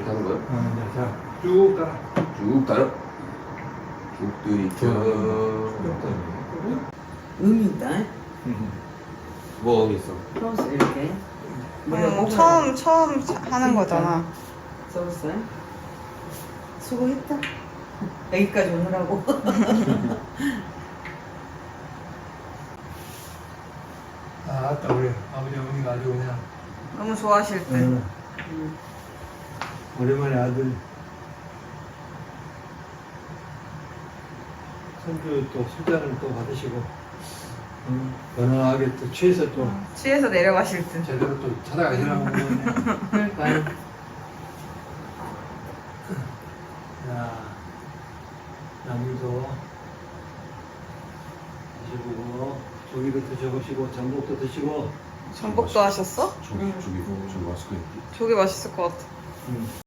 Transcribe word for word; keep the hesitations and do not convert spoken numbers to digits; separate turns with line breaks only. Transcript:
이렇게 하는 거예요?
어, 자, 쭉 따라.
쭉 따라. 쭉 들이켜.
의미 있다.
뭐 의미 있어?
서울서 이렇게.
음, 처음 처음 하는 거잖아.
서울서. 수고했다. 여기까지 오느라고.
아, 아따 우리 아버지 어머니가 아주 그냥
너무 좋아하실 때.
응. 오랜만에 아들 손주 또 술잔을 또 받으시고 응. 건강하게 또 취해서 또
취해서 내려가실 때.
제대로 또 찾아가시라고 그러네.
그러니까요.
자, 나물도 드셔보고 조기도 드셔보시고 전복도 드시고
전복도 하셨어?
저기 저기 저기 맛있겠는데.
저게 맛있을 것 같아.
응.